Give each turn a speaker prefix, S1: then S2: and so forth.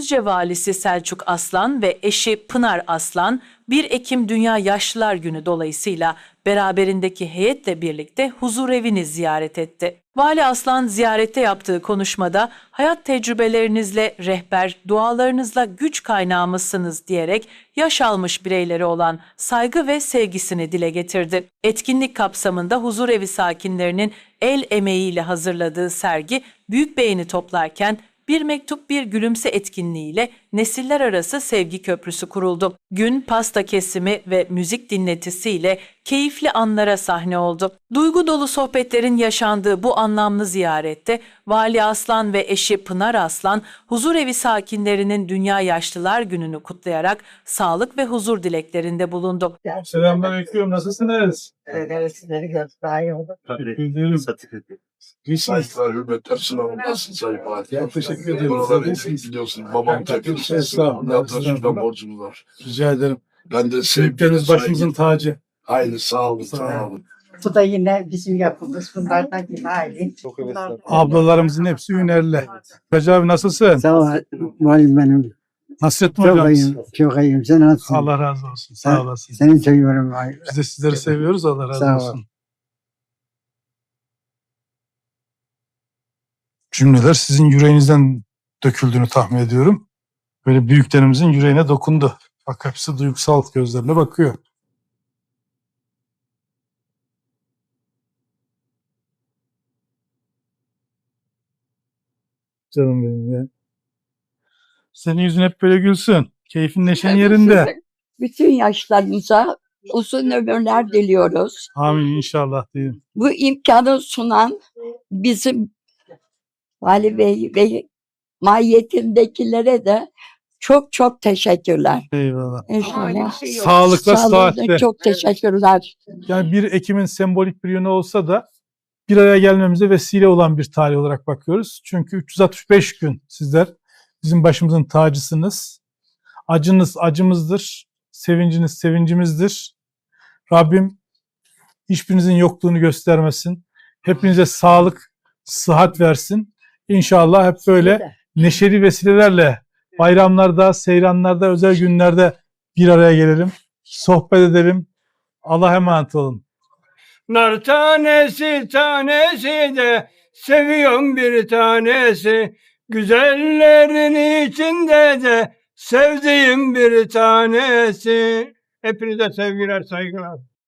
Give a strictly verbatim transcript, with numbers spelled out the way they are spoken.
S1: Düzce Valisi Selçuk Aslan ve eşi Pınar Aslan bir Ekim Dünya Yaşlılar Günü dolayısıyla beraberindeki heyetle birlikte huzurevini ziyaret etti. Vali Aslan ziyarette yaptığı konuşmada hayat tecrübelerinizle rehber, dualarınızla güç kaynağımızsınız diyerek yaş almış bireyleri olan saygı ve sevgisini dile getirdi. Etkinlik kapsamında huzurevi sakinlerinin el emeğiyle hazırladığı sergi büyük beğeni toplarken Bir Mektup Bir Gülümse etkinliğiyle nesiller arası sevgi köprüsü kuruldu. Gün pasta kesimi ve müzik dinletisiyle keyifli anlara sahne oldu. Duygu dolu sohbetlerin yaşandığı bu anlamlı ziyarette Vali Aslan ve eşi Pınar Aslan huzurevi sakinlerinin Dünya Yaşlılar Günü'nü kutlayarak sağlık ve huzur dileklerinde bulundu.
S2: Selamünaleyküm. Nasılsınız?
S3: Evet, sizleri gördük. Daha iyi oldu.
S4: Saygılar, hürmetler, sınavındasın Sayın Fatih.
S2: Ya, teşekkür ederim.
S4: Buraları
S2: Siz
S4: eksik
S2: iyisiniz.
S4: biliyorsun. Babam takılsın.
S2: Estağfurullah,
S4: Yaklaşıktan
S2: estağfurullah.
S4: borcumuz var.
S2: Rica ederim.
S4: Ben de sevgiyle
S2: Büyükleriniz başımızın
S4: saygı-
S2: tacı.
S4: Aynı sağ olun,
S2: Sağ
S4: sağ
S2: olun.
S4: olun.
S3: Bu da yine bizim yapımız. Bunlardan yine aile.
S2: Ablalarımızın hepsi hünerli. Hacı abi nasılsın?
S5: Sağ ol, valim benim.
S2: Nasrettin
S5: Çok
S2: hocam.
S5: iyiyim, çok iyiyim. Sen nasılsın?
S2: Allah razı olsun. Sağ
S5: Sen-
S2: olasın.
S5: Seni seviyorum. vay.
S2: Biz de sizleri seviyoruz. Allah razı
S5: Sağ ol.
S2: olsun. Cümleler sizin yüreğinizden döküldüğünü tahmin ediyorum. Böyle büyüklerimizin yüreğine dokundu. Bak hepsi duygusal gözlerine bakıyor. Canım benim ya. Senin yüzün hep böyle gülsün. Keyfin neşen yerinde.
S6: Bütün yaşlarınıza uzun ömürler diliyoruz.
S2: Amin inşallah diyeyim.
S6: Bu imkanı sunan bizim Vali Bey ve mahiyetindekilere de çok çok teşekkürler.
S2: Eyvallah.
S6: İnşallah.
S2: Sağlıkla,
S6: Sağlığınıza
S2: sıhhatle.
S6: çok teşekkürler.
S2: Yani bir Ekim'in sembolik bir yönü olsa da bir araya gelmemize vesile olan bir tarih olarak bakıyoruz. Çünkü üç yüz altmış beş gün sizler bizim başımızın tacısınız. Acınız acımızdır, sevinciniz sevincimizdir. Rabbim hiçbirinizin yokluğunu göstermesin. Hepinize sağlık, sıhhat versin. İnşallah hep böyle neşeli vesilelerle bayramlarda, seyranlarda, özel günlerde bir araya gelelim, sohbet edelim. Allah'a emanet olun.
S7: Nar tanesi tanesi de seviyorum bir tanesi. Güzellerin içinde de sevdiğim bir tanesi. Hepinize sevgiler, saygılar.